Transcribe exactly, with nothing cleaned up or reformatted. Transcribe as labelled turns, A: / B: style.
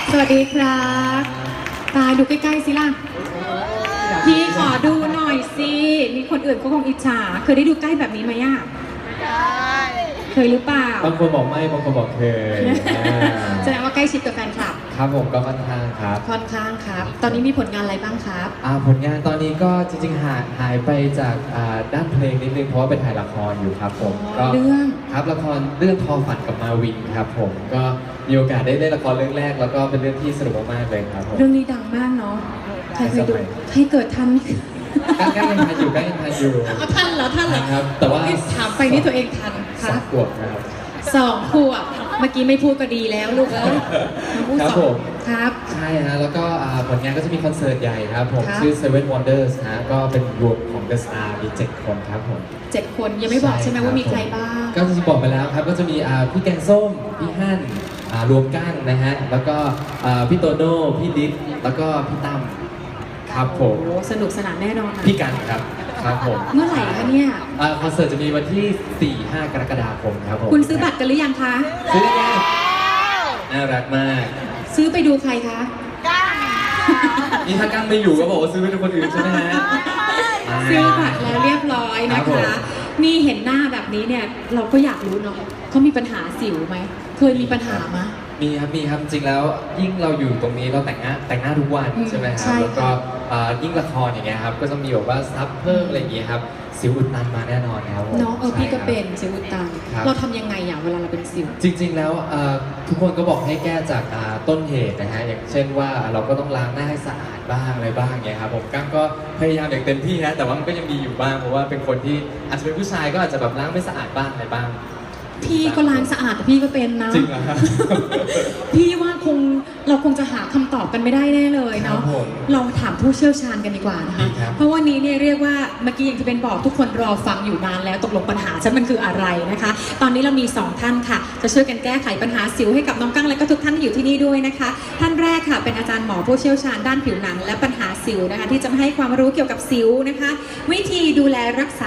A: สวัสดีครับตาดูใกล้ๆสิล่ะพี่ขอดูหน่อยสิมีคนอื่นก็คงอิจฉาเคยได้ดูใกล้แบบนี้ไหมอ่ะเคยหรือเปล่า
B: บางคนบอกไม่บางคนบอกเคย
A: แสดงว่าใกล้ชิดกับแฟนคลับ
B: ครับผมก็ค่อนข้างครับ
A: ค่อนข้างครับตอนนี้มีผลงานอะไรบ้างครับ
B: อ่าผลงานตอนนี้ก็จริงๆหายหายไปจากอ่าด้านเพลงนิดนึงเพราะว่าไปถ่ายละครอยู่ครับผม
A: ก็เรื่อง
B: ครับละครเรื่องทอฝันกับมาวินครับผมก็มีโอกาสได้เล่นละครเรื่องแรกแล้วก็เป็นเรื่องที่สนุกมากๆเลยครับผม
A: เรื่องนี้ดังมากเนาะใครเคยดูใครเกิดทัน
B: ใกล้ๆยังทันอยู่ใกล้ยังทันอยู่
A: เอาทันเหรอทันเหรอ
B: ครับแต่ว่า
A: ถามไปนี่ตัวเองทัน
B: ครับสองขวบนะครับ
A: สองขวบเมื่อกี้ไม่พูดก็ดีแล้วลูกเอ้ยพูดสองครับ
B: ใช่ฮะแล้วก็ผลงานก็จะมีคอนเสิร์ตใหญ่ครับผมชื่อ Seven Wonders ฮะก็เป็นรวมของ The Star มีเจ็ดคนครับผม
A: เจ็ดคนยังไม่บอกใช่ไหมว่ามีใครบ้าง
B: ก็จะบอกไปแล้วครับก็จะมีพี่แกงส้มพี่ฮั่นรวมก้างนะฮะแล้วก็พี่โตโน่พี่ดิ๊ดแล้วก็พี่ตั้มครับผม
A: สนุกสนานแน่นอน
B: พี่กันครับครับผม
A: เมื่อไหร่คะเนี่ย
B: คอนเสิร์ตจะมีวันที่ สี่ห้า กรกฎาคมครับผม
A: คุณซื้อบัตรกันหรือยังคะ
B: ซื้อแล้วน่ารักมาก
A: ซื้อไปดูใครคะ
B: ก้างนี่ถ้าก้างไม่อยู่ก็บอกว่าซื้อไปดูคนอื่นใช่ไหมฮะ
A: ซื้อบัตรแล้วเรียบร้อยนะคะนี่เห็นหน้าแบบนี้เนี่ยเราก็อยากรู้เนาะเขามีปัญหาสิวไหมเคยมีปัญหาไหม
B: มีครับมีครับจริงแล้วยิ่งเราอยู่ตรงนี้เราแต่งหน้าแต่งหน้าทุกวันใช่ไหมครับแล้วก็ยิ่งละครอย่างเงี้ยครับก็จะมีแบบว่าซับเพิ่มอะไรอย่างเงี้ยครับสิวอุดตันมาแน่นอนครับ
A: เนาะเออพี่ก็เป็นสิวอุดตันเราทำยังไงอย่างเวลาเราเป็นสิว
B: จริงๆแล้วทุกคนก็บอกให้แก้จากต้นเหตุนะฮะอย่างเช่นว่าเราก็ต้องล้างหน้าให้สะอาดบ้างอะไรบ้างเงี้ยครับผมก้างก็พยายามอย่างเต็มที่นะแต่ว่ามันก็ยังมีอยู่บ้างเพราะว่าเป็นคนที่อาจจะเป็นผู้ชายก็อาจจะแบบล้างไม่สะอาดบ้างอะไรบ้าง
A: พี่ก็ล้างสะอาดแต่พี่ก็เป็นนะ
B: จริงเหรอ
A: พี่ว่าคงเราคงจะหาคำตอบกันไม่ได้แน่เลยเนาะเราถามผู้เชี่ยวชาญกันดีกว่านะคะเพราะวันนี้เนี่ยเรียกว่าเมื่อกี้อย่างที่เป็นบอกทุกคนรอฟังอยู่นานแล้วตกลงปัญหาฉันมันคืออะไรนะคะตอนนี้เรามีสองท่านค่ะจะช่วยกันแก้ไขปัญหาสิวให้กับน้องกั้งและก็ทุกท่านที่อยู่ที่นี่ด้วยนะคะท่านแรกค่ะเป็นอาจารย์หมอผู้เชี่ยวชาญด้านผิวหนังและปัญหาสิวนะคะที่จะมาให้ความรู้เกี่ยวกับสิวนะคะวิธีดูแลรักษา